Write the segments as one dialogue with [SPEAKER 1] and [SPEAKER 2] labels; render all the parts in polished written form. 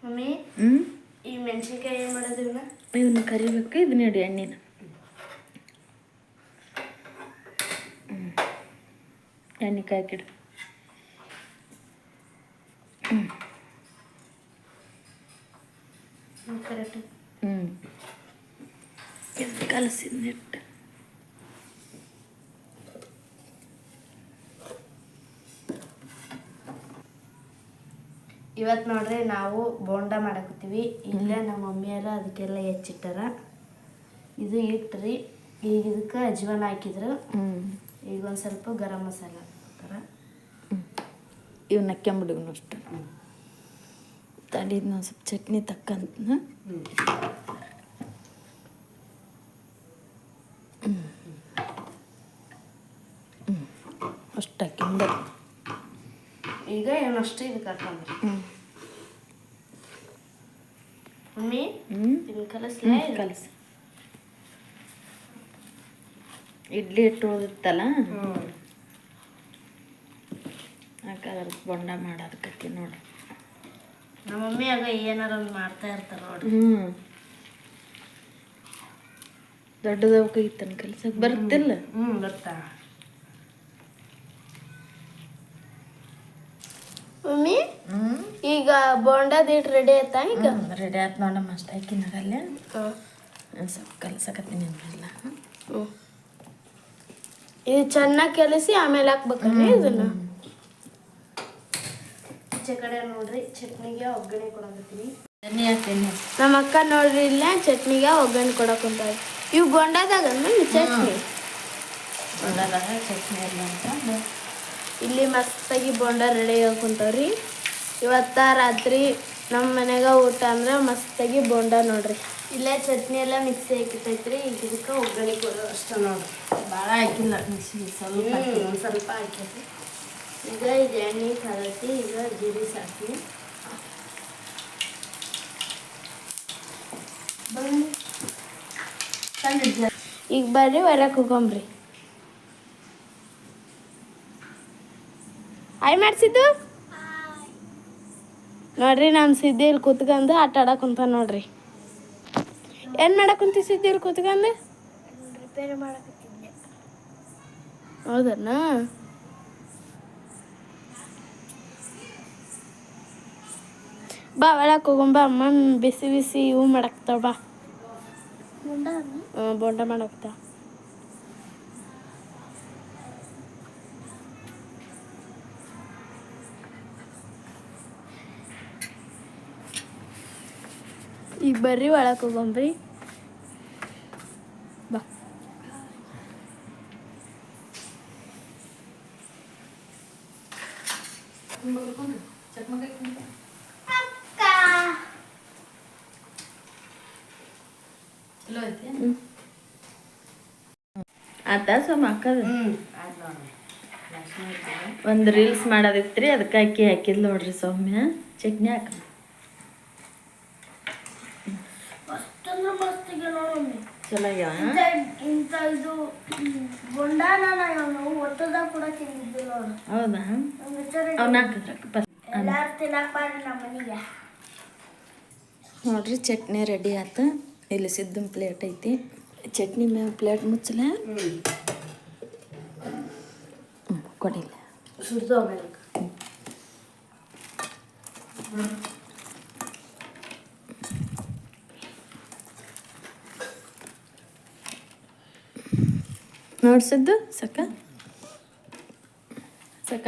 [SPEAKER 1] Mummy ಈ ಮೆಣಸಿನ್ಕಾಯಿ ಏನು ಮಾಡೋದು
[SPEAKER 2] ಇವನ್ನ ಕರಿಬೇಕು. ಇದನ್ನ ಇಡಿ ಎಣ್ಣೆನ. ಎಣ್ಣೆ ಕಾಯ್ಕಿಡು.
[SPEAKER 1] ಕರೆಕ್ಟ್.
[SPEAKER 2] ಇದು ಕಲಸಿದ್ನಿಟ್ಟು.
[SPEAKER 1] ಇವತ್ತು ನೋಡ್ರಿ ನಾವು ಬೋಂಡ ಮಾಡಕತ್ತೀವಿ. ಇಲ್ಲೇ ನಮ್ಮ ಮಮ್ಮಿಯರ ಅದಕ್ಕೆಲ್ಲ ಹೆಚ್ಚಿಟ್ಟಾರ. ಇದು ಇಟ್ರಿ. ಈಗ ಇದಕ್ಕೆ ಅಜ್ವಾನ ಹಾಕಿದ್ರು. ಈಗ ಒಂದು ಸ್ವಲ್ಪ ಗರಂ ಮಸಾಲ ಹಾಕ್ತಾರ.
[SPEAKER 2] ಇವನ್ನ ಕೆಂಬಿಡುಗನು ಅಷ್ಟು ತಡಿದ್ ನಾವು ಸ್ವಲ್ಪ ಚಟ್ನಿ ತಕ್ಕಂತ. ಅಷ್ಟು ಹಾಕಿಂದ
[SPEAKER 1] ಈಗ ಏನಷ್ಟು ಇದಕ್ಕೆ ಹಾಕೊಂಡ್ರಿ. ಮಮ್ಮಿ ಇದನ್ನ ಕಲಸ್ಲೇ?
[SPEAKER 2] ಕಲಸ. ಇಡ್ಲಿ ಹಿಟ್ಟು ಉಳಿದಿತ್ತಲ್ಲ, ಯಾಕಂದ್ರೆ ಬೊಂಡ ಮಾಡೋದಕ್ಕೆ ನೋಡ್ರಿ.
[SPEAKER 1] ನಮ್ಮ ಮಮ್ಮಿ ಆಗ ಏನಾರ ಒಂದು ಮಾಡ್ತಾ ಇರ್ತಾರೆ ನೋಡ್ರಿ.
[SPEAKER 2] ದೊಡ್ಡದವಕೈತನ ಕಲ್ಸಕ್ಕೆ ಬರ್ತಿಲ್ಲ.
[SPEAKER 1] ಬರ್ತಾ. ಮಮ್ಮಿ ಈಗ ಬೋಂಡದ ಹಿಟ್ಟು ರೆಡಿ ಆಯ್ತಾ? ಈಗ
[SPEAKER 2] ರೆಡಿ ಆಯ್ತು ನೋಡಮ್ಮ. ಅಷ್ಟು ಹಾಕಿನಾಗಲ್ಲೇ ಸ್ವಲ್ಪ ಕಲ್ಸಕತ್ತೀನಿ ಅಂದ್ರಲ್ಲ.
[SPEAKER 1] ಇದು ಚೆನ್ನಾಗಿ ಕಲಸಿ ಆಮೇಲೆ ಹಾಕ್ಬೇಕಲ್ಲ ಇದನ್ನ. ಈಚೆ ಕಡೆ ನೋಡ್ರಿ ಚಟ್ನಿಗೆ ಒಗ್ಗರಣೆ ಕೊಡಕತ್ತೀನಿ.
[SPEAKER 2] ಚಟ್ನಿ ಹಾಕ್ತೀನಿ.
[SPEAKER 1] ನಮ್ಮ ಅಕ್ಕ ನೋಡ್ರಿ ಇಲ್ಲ ಚಟ್ನಿಗೆ ಒಗ್ಗರಣೆ ಕೊಡಕೊಂತಾಳೆ. ಇವು ಬೋಂಡದಾಗ ಚಟ್ನಿ.
[SPEAKER 2] ಬೋಂಡದಾಗ ಚಟ್ನಿ ಇಲ್ಲ ಅಂತ
[SPEAKER 1] ಇಲ್ಲಿ ಮಸ್ತಾಗಿ ಬೋಂಡ ರೆಡಿ ಹಾಕೊಂತವ್ರಿ. ಇವತ್ತ ರಾತ್ರಿ ನಮ್ಮ ಮನೆಗ ಊಟ ಅಂದ್ರೆ ಮಸ್ತಾಗಿ ಬೋಂಡ ನೋಡ್ರಿ. ಇಲ್ಲೇ ಚಟ್ನಿ ಎಲ್ಲ ಮಿಕ್ಸಿ ಹಾಕಿತೈತ್ರಿ. ಈಗ ಇದಕ್ಕೆ ಒಗ್ಗರಣೆ ಕೊಡೋ ಅಷ್ಟ ನೋಡ್ರಿ.
[SPEAKER 2] ಭಾಳ ಹಾಕಿಲ್ಲ, ಮಿಕ್ಸಿ
[SPEAKER 1] ಸ್ವಲ್ಪ ಹಾಕೈತಿ. ಈಗ ಇದು ಎಣ್ಣೆ ಕರತಿ. ಈಗ ಜೀರಿಗೆ ಸಾಕಿ ಈಗ ಬರ್ರಿ ಹೊರಕ್ಕೆ ಹೋಗಂಬ್ರಿ. ಆಯ್ ಮಾಡ್ಸಿದ್ದು ನೋಡ್ರಿ. ನಾನು ಸಿದ್ದಿ ಇಲ್ಲಿ ಕೂತ್ಕೊಂಡು ಆಟ ಆಡಕ್ಕೆ ಕುಂತ ನೋಡ್ರಿ. ಏನು ಮಾಡಕ್ಕೆ ಕುಂತಿ ಸಿದ್ದಿ ಇಲ್ಲಿ ಕೂತ್ಕೊಂಡು? ರಿಪೇರಿ ಮಾಡಕತ್ತಿದ್ದೆ. ಹೌದಣ್ಣ? ಬಾ ಒಳಕ್ಕೆ ಹೋಗಂಬ. ಅಮ್ಮ ಬಿಸಿ ಬಿಸಿ ಇವು ಮಾಡಕ್ತಾವ. ಬಾ ಬೋಂಡ ಮಾಡಕ್ತಾವ. ಈಗ ಬರ್ರಿ ಒಳಕ್ಕೆ ಹೋಗಂಬ್ರಿ. ಬಾ.
[SPEAKER 2] ಚಲೋ ಐತಿ. ಆತ ಸೋಮ ಹಾಕದು. ಒಂದು ರೀಲ್ಸ್ ಮಾಡೋದಿತ್ರಿ, ಅದಕ್ಕೆ ಹಾಕಿದ್ ನೋಡ್ರಿ ಸೌಮ್ಯ. ಚಟ್ನಿ ಹಾಕ ಚಲೋ
[SPEAKER 1] ಇಂಥ ಇದು ಬೋಂಡಾನ ನಾವು ಒತ್ತದಾಗ ಕೂಡ ತಿಂದಿದ್ದು ನೋಡು.
[SPEAKER 2] ಹೌದಾ? ಅವ್ನ ಹಾಕಿದ್ರ
[SPEAKER 1] ಎಲ್ಲಾರು ತಿನ್ನಕ್ ಬಾರಿ ನಮ್ಮ ಮನೆಗೆ.
[SPEAKER 2] ನೋಡ್ರಿ ಚಟ್ನಿ ರೆಡಿ ಆಯ್ತು. ಇಲ್ಲಿ ಸಿದ್ದು ಪ್ಲೇಟ್ ಐತಿ. ಚಟ್ನಿ ಮೇಲೆ ಪ್ಲೇಟ್ ಮುಚ್ಚಲ. ಕೊಡಿಲ್ಲ
[SPEAKER 1] ಸುಡ್ದು ಆಮೇಲೆ
[SPEAKER 2] ನೋಡ್ಸಿದ್ದು ಸಕ ಸಕ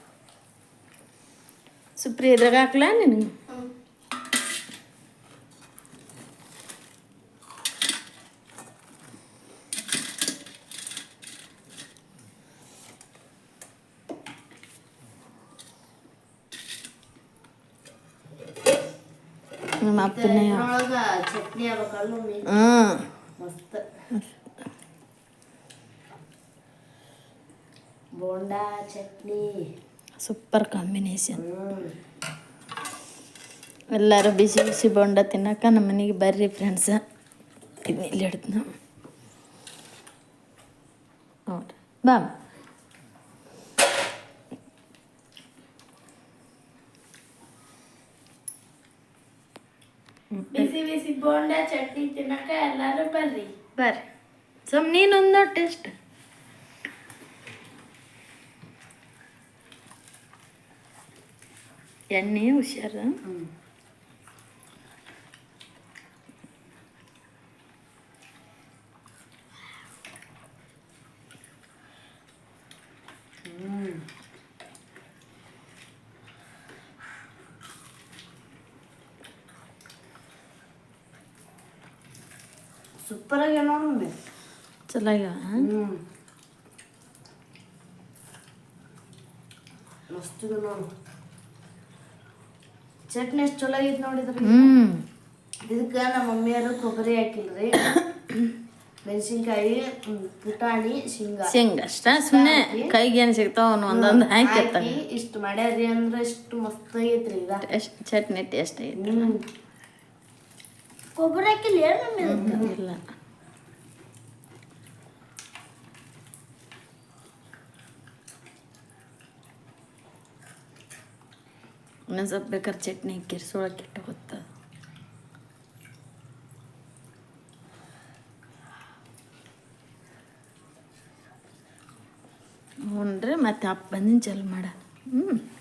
[SPEAKER 2] ಸುಪ್ರಿ ಇದ್ರಾಗ ಹಾಕ್ಲಾ ನಿನಗೆ? ನಮ್ಮ ಅಪ್ಪನೇ
[SPEAKER 1] ಚಟ್ನಿ ಆಗ್ಬೇಕಲ್ಲ ಮಸ್ತ್. Bonda chutney
[SPEAKER 2] super combination. ಎಲ್ಲರೂ ಬಿಸಿ ಬಿಸಿ ಬೋಂಡ ತಿನ್ನಕ ನಮ್ಮ ಮನೆಗೆ ಬರ್ರಿ ಫ್ರೆಂಡ್ಸ. ಇದನ್ನ ಇಲ್ಲಿ ಹಿಡ್ದು ನಾವು ನೋಡ್ರಿ. ಬಾ
[SPEAKER 1] ಬಿಸಿ ಬಿಸಿ ಬೋಂಡ ಚಟ್ನಿ ತಿನ್ನಕ ಎಲ್ಲಾರು ಬರ್ರಿ.
[SPEAKER 2] ಬರ್ರಿ ನೀನೊಂದು ಟೇಸ್ಟ್. ಎಣ್ಣೆ ಹುಷಾರು.
[SPEAKER 1] ಸೂಪರ್ ಆಗ್ಯಾವ ನೋಡಿ.
[SPEAKER 2] ಚಲೋ ಆಗ್ಯಾವ.
[SPEAKER 1] ಮಸ್ತ್ ನೋಡು. ಚಟ್ನಿ ಎಷ್ಟು ಚಲೋ ಆಗೈತೆ ನೋಡಿದ್ರಿ. ಇದಕ್ಕೆ ನಮ್ಮ ಮಮ್ಮಿಯವರು ಕೊಬ್ಬರಿ ಹಾಕಿಲ್ರಿ, ಮೆಣಸಿನ್ಕಾಯಿ, ಪುಟಾಣಿ,
[SPEAKER 2] ಶೇಂಗಾ ಅಷ್ಟ. ಸುಮ್ಮನೆ ಕೈಗೆ ಏನು ಸಿಗ್ತಾವ ಒಂದೊಂದು ಹಾಕಿ
[SPEAKER 1] ಇಷ್ಟು ಮಾಡ್ಯಾರಿ ಅಂದ್ರೆ ಇಷ್ಟು ಮಸ್ತ್ ಆಗೈತ್ರಿ. ಈಗ
[SPEAKER 2] ಚಟ್ನಿ ಟೇಸ್ಟ್ ಆಗೈತೆ.
[SPEAKER 1] ಕೊಬ್ಬರಿ ಹಾಕಿಲ್ಲ
[SPEAKER 2] ಇಲ್ಲ. ಇನ್ನೊಂದು ಸ್ವಲ್ಪ ಬೇಕಾದ್ರೆ ಚಟ್ನಿ ಕೆರ್ಸೊಳಕ್ಕೆ ಇಟ್ಟು ಗೊತ್ತ. ಹ್ಞೂನ್ರಿ ಮತ್ತೆ ಅಪ್ಪ ಬಂದಿನ ಚಲ್ ಮಾಡ.